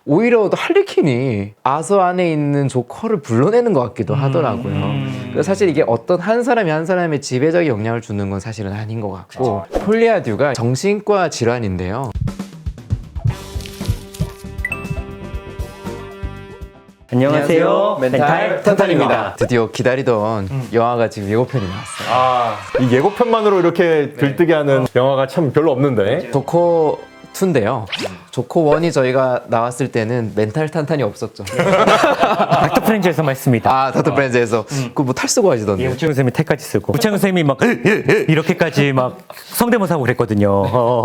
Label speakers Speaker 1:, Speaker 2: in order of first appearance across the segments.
Speaker 1: 오히려 할리퀸이 아서 안에 있는 조커를 불러내는 것 같기도 하더라고요. 그래서 사실 이게 어떤 한 사람이 한 사람의 지배적인 영향을 주는 건 사실은 아닌 것 같고, 폴리아듀가 정신과 질환인데요.
Speaker 2: 안녕하세요. 멘탈 탄탄입니다.
Speaker 1: 드디어 기다리던 영화가 지금 예고편이 나왔어요.
Speaker 3: 이 예고편만으로 이렇게 들뜨게 하는 영화가 참 별로 없는데.
Speaker 1: 조커 2인데요. 조커 1이 저희가 나왔을 때는 멘탈 탄탄이 없었죠.
Speaker 2: 닥터 프렌즈에서만 했습니다.
Speaker 1: 아, 닥터 프렌즈에서 그거 뭐 탈 쓰고 하시던데.
Speaker 2: 예, 우창훈 선생님이 택까지 쓰고 우창훈 선생님이 막 이렇게까지 막 성대모사하고 그랬거든요.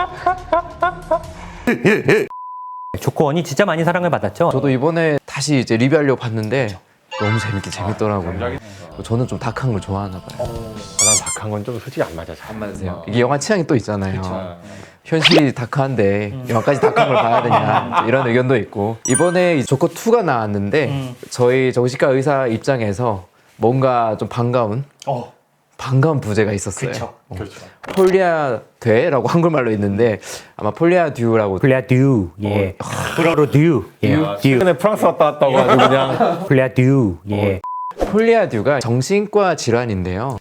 Speaker 2: 조커원이 진짜 많이 사랑을 받았죠.
Speaker 1: 저도 이번에 다시 이제 리뷰하려고 봤는데 너무 재밌더라고요. 저는 좀 다크한 걸 좋아하나 봐요.
Speaker 3: 난 다크한 건 좀 솔직히 안 맞아. 잘.
Speaker 1: 안 맞으세요? 이게 영화 취향이 또 있잖아요. 현실이 다크한데 영화까지 다크한 걸 봐야 되냐 이런 의견도 있고, 이번에 이 조커 2가 나왔는데 저희 정신과 의사 입장에서 뭔가 좀 반가운 부제가 있었어요.
Speaker 3: 그렇죠.
Speaker 1: 폴리아듀라고 한글말로 있는데 아마 폴리아듀라고.
Speaker 2: 플레아듀, 예. 프로듀, 예. 듀.
Speaker 3: 최근에 프랑스 왔다 갔다 가지고 그냥
Speaker 2: 플레아듀, 예.
Speaker 1: 폴리아듀가 정신과 질환인데요.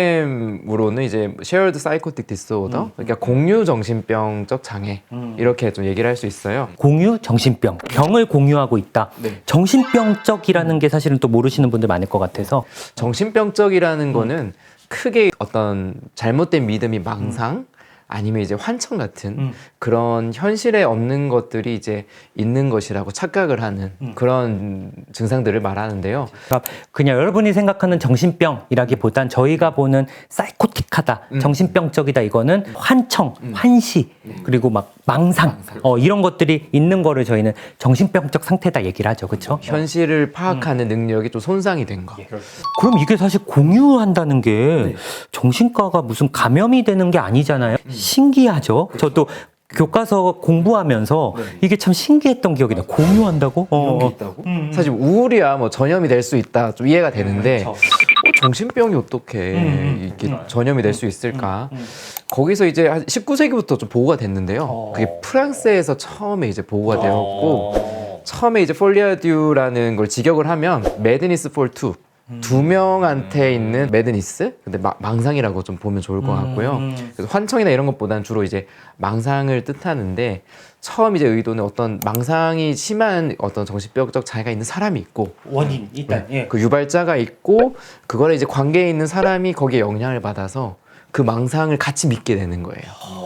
Speaker 1: DSM으로는 이제 Shared Psychotic Disorder, 그러니까 공유 정신병적 장애, 이렇게 좀 얘기를 할 수 있어요.
Speaker 2: 공유 정신병, 병을 공유하고 있다.
Speaker 1: 네.
Speaker 2: 정신병적이라는 게 사실은 또 모르시는 분들 많을 것 같아서.
Speaker 1: 정신병적이라는 거는 크게 어떤 잘못된 믿음이 망상, 아니면 이제 환청 같은 그런 현실에 없는 것들이 이제 있는 것이라고 착각을 하는 그런 증상들을 말하는데요.
Speaker 2: 그러니까 그냥 여러분이 생각하는 정신병이라기보단 저희가 보는 사이코틱하다, 정신병적이다, 이거는 환청, 환시, 그리고 막 망상, 이런 것들이 있는 거를 저희는 정신병적 상태다 얘기를 하죠. 그렇죠?
Speaker 1: 현실을 파악하는 능력이 좀 손상이 된 거.
Speaker 2: 그럼 이게 사실 공유한다는 게 정신과가 무슨 감염이 되는 게 아니잖아요. 신기하죠. 저도 교과서 공부하면서 이게 참 신기했던 기억이 나요. 공유한다고?
Speaker 1: 이런 게 있다고? 사실 우울이야 뭐 전염이 될 수 있다, 좀 이해가 되는데 정신병이 어떻게 이게 전염이 될 수 있을까? 거기서 이제 한 19세기부터 좀 보고가 됐는데요. 그게 프랑스에서 처음에 이제 보고가 되었고, 처음에 이제 폴리아듀라는 걸 직역을 하면 매드니스 폴 투, 두 명한테 있는 매드니스, 근데 망상이라고 좀 보면 좋을 것 같고요. 그래서 환청이나 이런 것보다는 주로 이제 망상을 뜻하는데, 처음 이제 의도는 어떤 망상이 심한 어떤 정신병적 장애가 있는 사람이 있고,
Speaker 2: 원인 일단
Speaker 1: 그 유발자가 있고, 그거를 이제 관계에 있는 사람이 거기에 영향을 받아서 그 망상을 같이 믿게 되는 거예요.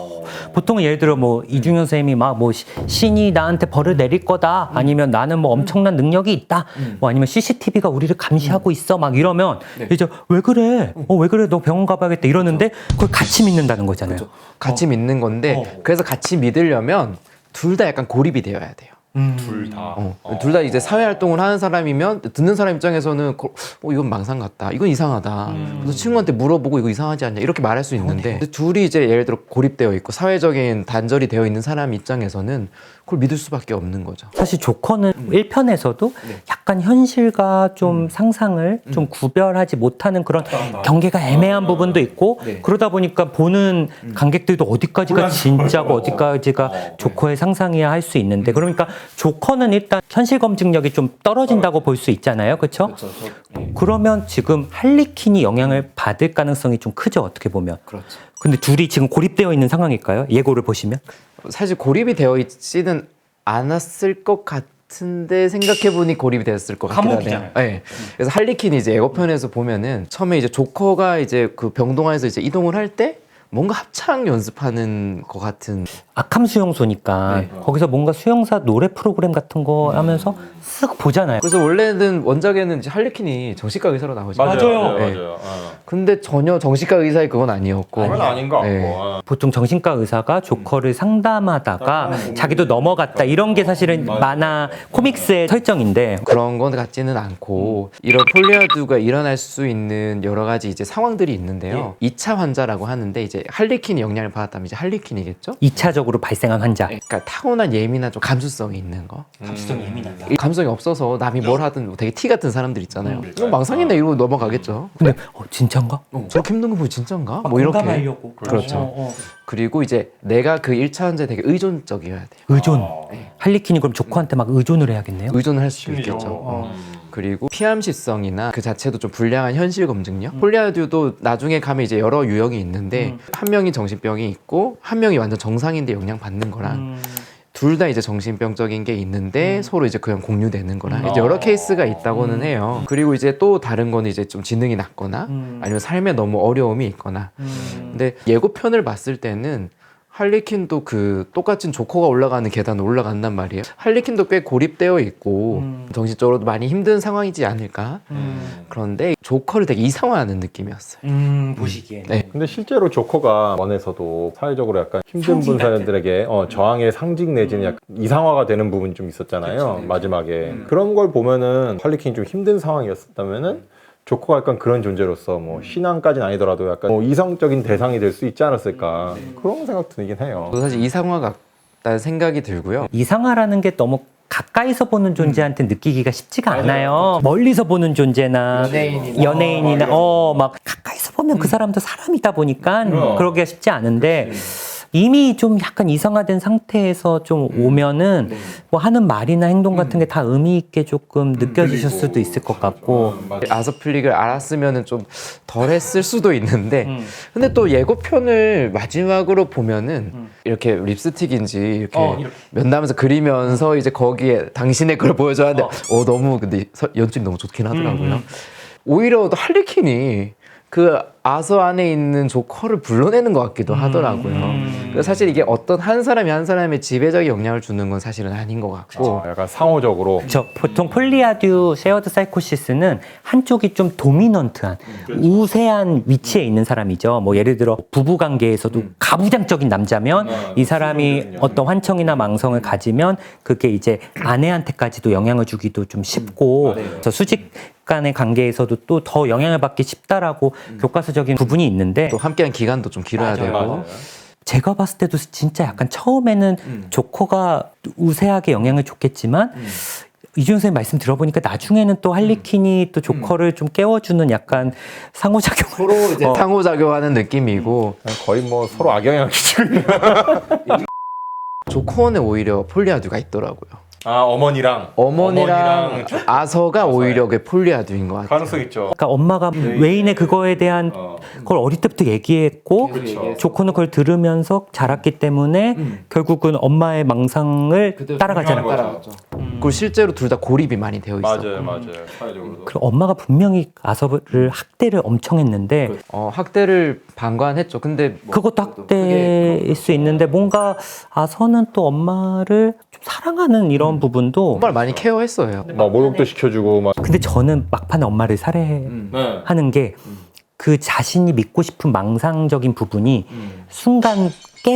Speaker 2: 보통은 예를 들어 뭐 이중현 선생님이 막 뭐 신이 나한테 벌을 내릴 거다, 아니면 나는 뭐 엄청난 능력이 있다, 뭐 아니면 CCTV가 우리를 감시하고 있어, 막 이러면 이제 왜 그래? 왜 그래? 너 병원 가봐야겠다 이러는데 그걸 같이 믿는다는 거잖아요.
Speaker 1: 같이 믿는 건데, 그래서 같이 믿으려면 둘 다 약간 고립이 되어야 돼요.
Speaker 3: 둘 다.
Speaker 1: 둘 다 이제 사회 활동을 하는 사람이면 듣는 사람 입장에서는 이건 망상 같다, 이건 이상하다, 그래서 친구한테 물어보고 이거 이상하지 않냐 이렇게 말할 수 있는데, 둘이 이제 예를 들어 고립되어 있고 사회적인 단절이 되어 있는 사람 입장에서는 그걸 믿을 수밖에 없는 거죠.
Speaker 2: 사실 조커는 1편에서도 약간 현실과 좀 상상을 좀 구별하지 못하는 그런 경계가 애매한 부분도 있고, 그러다 보니까 보는 관객들도 어디까지가 진짜고 어디까지가 조커의 상상이야 할 수 있는데, 그러니까 조커는 일단 현실 검증력이 좀 떨어진다고 볼 수 있잖아요. 그렇죠? 그러면 지금 할리퀸이 영향을 받을 가능성이 좀 크죠, 어떻게 보면.
Speaker 1: 그렇죠.
Speaker 2: 근데 둘이 지금 고립되어 있는 상황일까요? 예고를 보시면?
Speaker 1: 사실 고립이 되어 있지는 않았을 것 같은데, 생각해보니 고립이 되었을 것 같긴 하네요. 네. 그래서 할리퀸이 이제 예고편에서 보면은 처음에 이제 조커가 이제 그 병동안에서 이제 이동을 할 때 뭔가 합창 연습하는 것 같은.
Speaker 2: 아캄 수용소니까 거기서 뭔가 수용사 노래 프로그램 같은 거 하면서 쓱 보잖아요.
Speaker 1: 그래서 원래는 원작에는 이제 할리퀸이 정신과 의사로 나오잖아요. 네. 근데 전혀 정신과 의사의 그건 아니었고.
Speaker 3: 그건 아닌 것 같고.
Speaker 1: 네.
Speaker 2: 보통 정신과 의사가 조커를 상담하다가 자기도 넘어갔다, 이런 게 사실은 만화 코믹스의 설정인데,
Speaker 1: 그런 건 같지는 않고, 이런 폴리아듀가 일어날 수 있는 여러 가지 이제 상황들이 있는데요. 2차 환자라고 하는데, 이제 할리퀸이 영향을 받았다면 이제 할리퀸이겠죠?
Speaker 2: 2차적으로 발생한 환자.
Speaker 1: 그러니까 타고난 예민한 좀 감수성이 있는 거.
Speaker 2: 감수성이 예민하다.
Speaker 1: 이 감성이 없어서 남이 뭘 하든 되게 티 같은 사람들 있잖아요. 이거 망상이네 이러고 넘어가겠죠.
Speaker 2: 근데 진짜인가?
Speaker 1: 저렇게 힘든 거 보고 진짠가? 뭐 이렇게.
Speaker 2: 공감하려고.
Speaker 1: 그렇죠. 그리고 이제 내가 그 1차원자에 되게 의존적이어야 돼요.
Speaker 2: 의존. 할리퀸이 그럼 조커한테 막 의존을 해야겠네요.
Speaker 1: 의존을 할 수도 있겠죠. 그리고 피암시성이나 그 자체도 좀 불량한 현실 검증력. 폴리아듀도 나중에 가면 이제 여러 유형이 있는데 한 명이 정신병이 있고 한 명이 완전 정상인데 영향 받는 거랑 둘 다 이제 정신병적인 게 있는데 서로 이제 그냥 공유되는 거랑 이제 여러 케이스가 있다고는 해요. 그리고 이제 또 다른 거는 이제 좀 지능이 낮거나 아니면 삶에 너무 어려움이 있거나. 근데 예고편을 봤을 때는 할리퀸도 그 똑같은 조커가 올라가는 계단을 올라간단 말이에요. 할리퀸도 꽤 고립되어 있고 정신적으로도 많이 힘든 상황이지 않을까. 그런데 조커를 되게 이상화하는 느낌이었어요.
Speaker 2: 보시기에.
Speaker 1: 네.
Speaker 3: 근데 실제로 조커가 원에서도 사회적으로 약간 힘든 분들에게 저항의 상징 내지는 약간 이상화가 되는 부분이 좀 있었잖아요. 마지막에. 그런 걸 보면은 할리퀸이 좀 힘든 상황이었다면은 조커가 약간 그런 존재로서 뭐 신앙까지는 아니더라도 약간 뭐 이성적인 대상이 될 수 있지 않았을까 그런 생각 들긴 해요.
Speaker 1: 저도 사실 이상화 같다는 생각이 들고요.
Speaker 2: 이상하라는 게 너무 가까이서 보는 존재한테 느끼기가 쉽지가 않아요. 멀리서 보는 존재나 연예인이나 막 가까이서 보면 그 사람도 사람이다 보니까 그러기가 쉽지 않은데 이미 좀 약간 이상화된 상태에서 좀 오면은 뭐 하는 말이나 행동 같은 게 다 의미 있게 조금 느껴지실 수도 있을 것 같고.
Speaker 1: 아서플릭을 알았으면은 좀 덜했을 수도 있는데 근데 또 예고편을 마지막으로 보면은 이렇게 립스틱인지 이렇게 면담에서 그리면서 이제 거기에 당신의 걸 보여줘야 하는데 너무 근데 연출이 너무 좋긴 하더라고요. 오히려 또 할리퀸이 그 아서 안에 있는 조커를 불러내는 것 같기도 하더라고요. 그래서 사실 이게 어떤 한 사람이 한 사람의 지배적인 영향을 주는 건 사실은 아닌 것 같고.
Speaker 3: 약간 상호적으로.
Speaker 2: 보통 폴리아듀 쉐어드 사이코시스는 한쪽이 좀 도미넌트한 우세한 위치에 있는 사람이죠. 뭐 예를 들어 부부 관계에서도 가부장적인 남자면 이 사람이 어떤 환청이나 망성을 가지면 그게 이제 아내한테까지도 영향을 주기도 좀 쉽고 그래서 수직 간의 관계에서도 또 더 영향을 받기 쉽다라고 교과서적인 부분이 있는데
Speaker 1: 또 함께한 기간도 좀 길어야 되고.
Speaker 2: 제가 봤을 때도 진짜 약간 처음에는 조커가 우세하게 영향을 줬겠지만 이준호 선생님 말씀 들어보니까 나중에는 또 할리퀸이 또 조커를 좀 깨워주는 약간 상호작용
Speaker 1: 서로 이제 상호작용하는 느낌이고.
Speaker 3: 거의 뭐 서로 악영향을 끼치고 있는.
Speaker 1: 조커는 오히려 폴리아듀가 있더라고요.
Speaker 3: 어머니랑
Speaker 1: 아서가 오히려 그 폴리아듀인 것 같아요.
Speaker 3: 가능성 있죠.
Speaker 2: 그러니까 엄마가 웨인의 그거에 대한 그걸 어릴 때부터 얘기했고 조커는 그걸 들으면서 자랐기 때문에 결국은 엄마의 망상을 따라가잖아요.
Speaker 1: 그리고 실제로 둘 다 고립이 많이 되어 있어요.
Speaker 3: 맞아요. 사회적으로도.
Speaker 2: 그리고 엄마가 분명히 아서를 학대를 엄청 했는데
Speaker 1: 학대를 방관했죠. 근데 뭐
Speaker 2: 그것도 학대일 수 있는데 뭔가 아서는 또 엄마를 좀 사랑하는 이런 부분도
Speaker 1: 정말 많이 케어했어요.
Speaker 3: 막 목욕도 시켜주고 막.
Speaker 2: 근데 저는 막판에 엄마를 살해하는 게 그 자신이 믿고 싶은 망상적인 부분이 순간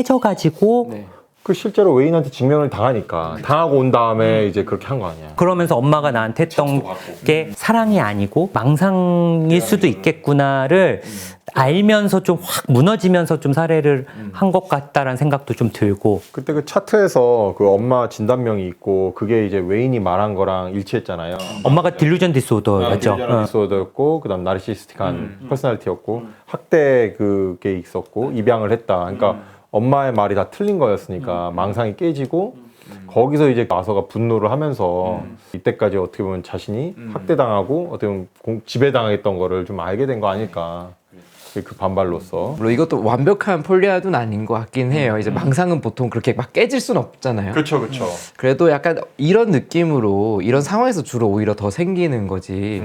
Speaker 2: 깨져가지고
Speaker 3: 그 실제로 웨인한테 직면을 당하니까 당하고 온 다음에 이제 그렇게 한 거 아니야.
Speaker 2: 그러면서 엄마가 나한테 했던 게 사랑이 아니고 망상일 수도 있겠구나를 알면서 좀 확 무너지면서 좀 살해를 한 것 같다라는 생각도 좀 들고.
Speaker 3: 그때 그 차트에서 그 엄마 진단명이 있고 그게 이제 웨인이 말한 거랑 일치했잖아요.
Speaker 2: 엄마가 딜루전 디스오더였죠.
Speaker 3: 디스오더였고 그다음 나르시스틱한 퍼스널리티였고 학대 그게 있었고 입양을 했다. 그러니까 엄마의 말이 다 틀린 거였으니까 망상이 깨지고 거기서 이제 아서가 분노를 하면서 이때까지 어떻게 보면 자신이 학대당하고 어떻게 보면 지배당했던 거를 좀 알게 된 거 아닐까. 그 반발로서.
Speaker 1: 물론 이것도 완벽한 폴리아듀는 아닌 것 같긴 해요. 이제 망상은 보통 그렇게 막 깨질 수는 없잖아요.
Speaker 3: 그렇죠.
Speaker 1: 그래도 약간 이런 느낌으로 이런 상황에서 주로 오히려 더 생기는 거지.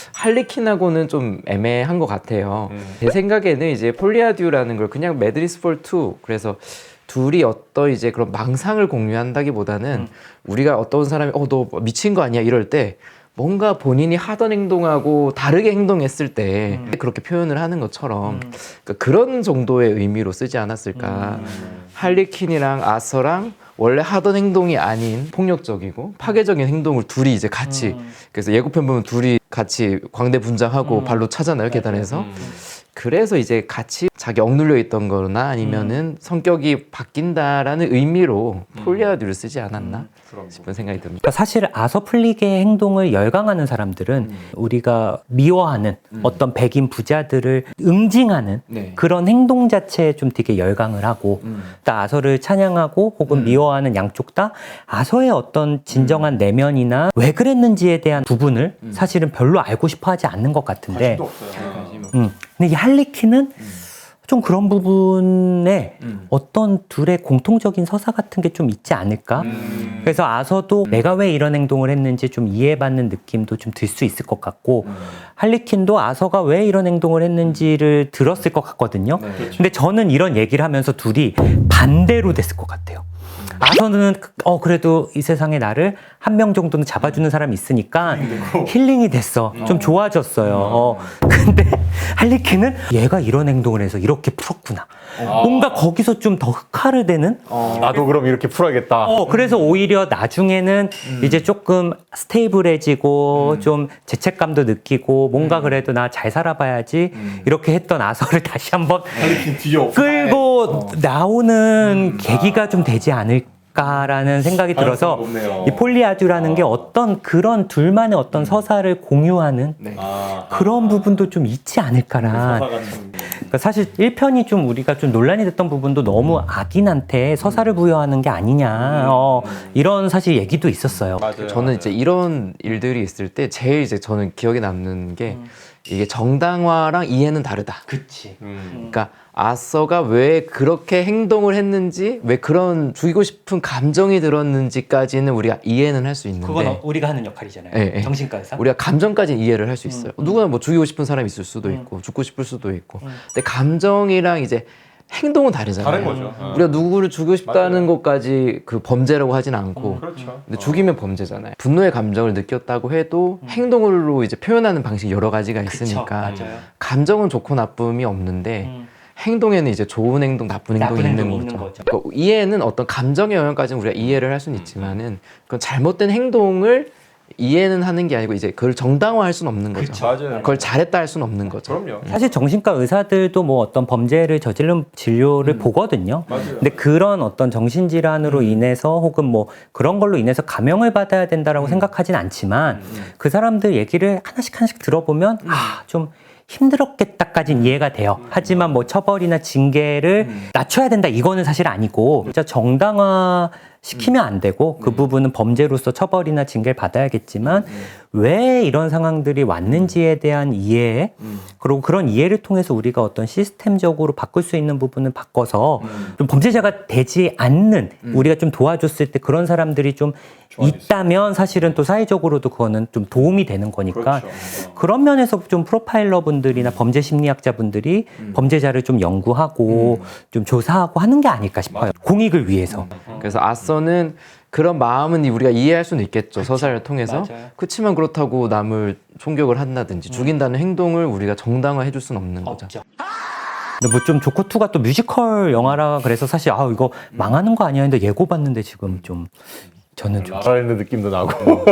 Speaker 1: 할리퀸하고는 좀 애매한 것 같아요. 제 생각에는 이제 폴리아듀라는 걸 그냥 매드리스 폴 2, 그래서 둘이 어떤 이제 그런 망상을 공유한다기보다는 우리가 어떤 사람이 너 미친 거 아니야 이럴 때 뭔가 본인이 하던 행동하고 다르게 행동했을 때 그렇게 표현을 하는 것처럼 그러니까 그런 정도의 의미로 쓰지 않았을까. 할리퀸이랑 아서랑 원래 하던 행동이 아닌 폭력적이고 파괴적인 행동을 둘이 이제 같이 그래서 예고편 보면 둘이 같이 광대 분장하고 발로 차잖아요 계단에서. 그래서 이제 같이 자기 억눌려 있던 거나 아니면은 성격이 바뀐다라는 의미로 폴리아듀를 쓰지 않았나 싶은 생각이 듭니다.
Speaker 2: 그러니까 사실 아서플릭의 행동을 열광하는 사람들은 우리가 미워하는 어떤 백인 부자들을 응징하는
Speaker 1: 네.
Speaker 2: 그런 행동 자체에 좀 되게 열광을 하고 또 아서를 찬양하고 혹은 미워하는 양쪽 다 아서의 어떤 진정한 내면이나 왜 그랬는지에 대한 부분을 사실은 별로 알고 싶어 하지 않는 것 같은데 근데 이 할리퀸은 좀 그런 부분에 어떤 둘의 공통적인 서사 같은 게 좀 있지 않을까? 그래서 아서도 내가 왜 이런 행동을 했는지 좀 이해받는 느낌도 좀 들 수 있을 것 같고 할리퀸도 아서가 왜 이런 행동을 했는지를 들었을 것 같거든요. 근데 저는 이런 얘기를 하면서 둘이 반대로 됐을 것 같아요. 아서는 그래도 이 세상에 나를 한 명 정도는 잡아주는 사람이 있으니까 힐링이 됐어. 좀 좋아졌어요. 근데 할리퀸은 얘가 이런 행동을 해서 이렇게 풀었구나. 뭔가 거기서 좀 더 흑화를 되는?
Speaker 3: 나도 그럼 이렇게 풀어야겠다.
Speaker 2: 그래서 오히려 나중에는 이제 조금 스테이블해지고 좀 죄책감도 느끼고 뭔가 그래도 나 잘 살아봐야지 이렇게 했던 아서를 다시 한번 끌고 나오는 계기가 좀 되지 않을까라는 생각이 들어서 이 폴리아듀라는 게 어떤 그런 둘만의 어떤 서사를 공유하는 그런 부분도 좀 있지 않을까라. 그러니까 사실 1편이 좀 우리가 좀 논란이 됐던 부분도 너무 악인한테 서사를 부여하는 게 아니냐 이런 사실 얘기도 있었어요.
Speaker 1: 저는 이제 이런 일들이 있을 때 제일 이제 저는 기억에 남는 게 이게 정당화랑 이해는 다르다.
Speaker 2: 그치.
Speaker 1: 그러니까 아서가 왜 그렇게 행동을 했는지, 왜 그런 죽이고 싶은 감정이 들었는지까지는 우리가 이해는 할 수 있는데,
Speaker 2: 그건 우리가 하는 역할이잖아요.
Speaker 1: 예, 예.
Speaker 2: 정신과 의사.
Speaker 1: 우리가 감정까지는 이해를 할 수 있어요. 누구나 뭐 죽이고 싶은 사람이 있을 수도 있고, 죽고 싶을 수도 있고. 근데 감정이랑 이제 행동은 다르잖아요.
Speaker 3: 다른 거죠.
Speaker 1: 우리가 누구를 죽이고 싶다는
Speaker 3: 맞아요.
Speaker 1: 것까지 그 범죄라고 하진 않고,
Speaker 3: 그렇죠.
Speaker 1: 근데 죽이면 범죄잖아요. 분노의 감정을 느꼈다고 해도 행동으로 이제 표현하는 방식이 여러 가지가 있으니까
Speaker 2: 맞아요.
Speaker 1: 감정은 좋고 나쁨이 없는데 행동에는 이제 좋은 행동, 나쁜 행동이 있는 거죠. 그러니까 이해는 어떤 감정의 영역까지는 우리가 이해를 할 수는 있지만은 그건 잘못된 행동을 이해는 하는 게 아니고 이제 그걸 정당화할 수는 없는 거죠.
Speaker 3: 맞아요.
Speaker 1: 그걸 잘했다 할 수는 없는 거죠.
Speaker 3: 그럼요.
Speaker 2: 사실 정신과 의사들도 뭐 어떤 범죄를 저지른 진료를 보거든요.
Speaker 3: 맞아요.
Speaker 2: 근데 그런 어떤 정신질환으로 인해서 혹은 뭐 그런 걸로 인해서 감형을 받아야 된다라고 생각하진 않지만 그 사람들 얘기를 하나씩 들어보면 좀 힘들었겠다까지는 이해가 돼요. 하지만 뭐 처벌이나 징계를 낮춰야 된다 이거는 사실 아니고 진짜 정당화 시키면 안 되고 그 부분은 범죄로서 처벌이나 징계를 받아야겠지만 왜 이런 상황들이 왔는지에 대한 이해 그리고 그런 이해를 통해서 우리가 어떤 시스템적으로 바꿀 수 있는 부분을 바꿔서 좀 범죄자가 되지 않는 우리가 좀 도와줬을 때 그런 사람들이 좀 있다면 사실은 또 사회적으로도 그거는 좀 도움이 되는 거니까 그런 면에서 좀 프로파일러 분들이나 범죄 심리학자 분들이 범죄자를 좀 연구하고 좀 조사하고 하는 게 아닐까 싶어요. 공익을 위해서.
Speaker 1: 그래서 아서는 그런 마음은 우리가 이해할 수는 있겠죠. 서사를 통해서.
Speaker 2: 맞아요.
Speaker 1: 그렇지만 그렇다고 남을 총격을 한다든지 죽인다는 행동을 우리가 정당화해 줄 수는 없는 거죠.
Speaker 2: 근데 뭐 좀 조커2가 또 뮤지컬 영화라 그래서 사실 이거 망하는 거 아니야 했는데 예고 봤는데 지금 좀 저는 좀
Speaker 3: 라라랜드 느낌도 나고.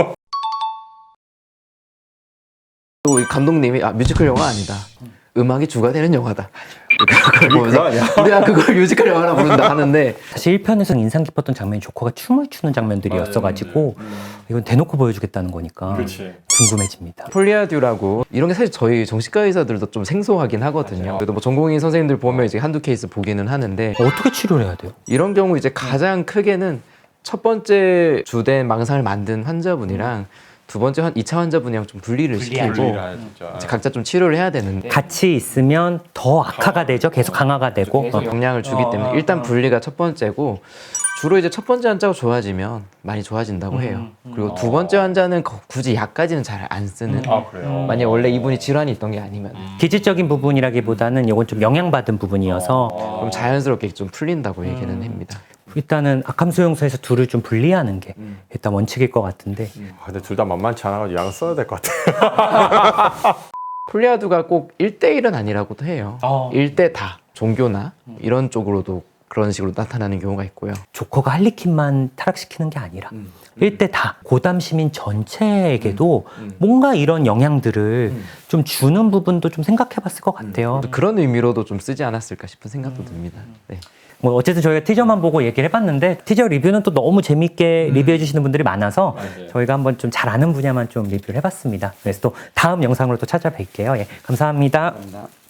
Speaker 1: 그리고 이 감독님이 뮤지컬 영화 아니다. 음악이 주가 되는 영화다. 그걸 보면서
Speaker 3: 그거 아니야?
Speaker 1: 우리가 그걸 뮤지컬 영화라 부른다 하는데
Speaker 2: 사실 1편에서 인상 깊었던 장면이 조커가 춤을 추는 장면들이었어가지고 이건 대놓고 보여주겠다는 거니까 궁금해집니다.
Speaker 1: 폴리아듀라고 이런 게 사실 저희 정신과 의사들도 좀 생소하긴 하거든요. 그래도 뭐 전공의 선생님들 보면 이제 한두 케이스 보기는 하는데
Speaker 2: 어떻게 치료를 해야 돼요?
Speaker 1: 이런 경우 이제 가장 크게는 첫 번째 주된 망상을 만든 환자분이랑 두 번째 2차 환자분이랑 좀 분리를 시키고 이제 각자 좀 치료를 해야 되는데
Speaker 2: 같이 있으면 더 악화가 되죠. 계속 강화가 되고.
Speaker 1: 계속 영향을 주기 때문에 일단 분리가 첫 번째고 주로 이제 첫 번째 환자가 좋아지면 많이 좋아진다고 해요. 그리고 두 번째 환자는 굳이 약까지는 잘 안 쓰는.
Speaker 3: 그래요?
Speaker 1: 만약 원래 이분이 질환이 있던 게 아니면
Speaker 2: 기질적인 부분이라기보다는 이건 좀 영향받은 부분이어서
Speaker 1: 그럼 자연스럽게 좀 풀린다고 얘기는 합니다.
Speaker 2: 일단은 악함 수용소에서 둘을 좀 분리하는 게 일단 원칙일 것 같은데
Speaker 3: 근데 둘 다 만만치 않아가지고 약 써야 될 것 같아요.
Speaker 1: 폴리아듀가 꼭 1대1은 아니라고도 해요. 1대 다 종교나 이런 쪽으로도 그런 식으로 나타나는 경우가 있고요.
Speaker 2: 조커가 할리퀸만 타락시키는 게 아니라 일대 다 고담 시민 전체에게도 뭔가 이런 영향들을 좀 주는 부분도 좀 생각해 봤을 것 같아요.
Speaker 1: 그런 의미로도 좀 쓰지 않았을까 싶은 생각도 듭니다. 네.
Speaker 2: 뭐 어쨌든 저희가 티저만 보고 얘기를 해봤는데 티저 리뷰는 또 너무 재밌게 리뷰해 주시는 분들이 많아서 저희가 한번 좀 잘 아는 분야만 좀 리뷰를 해봤습니다. 그래서 또 다음 영상으로 또 찾아뵐게요. 예, 감사합니다.
Speaker 1: 감사합니다.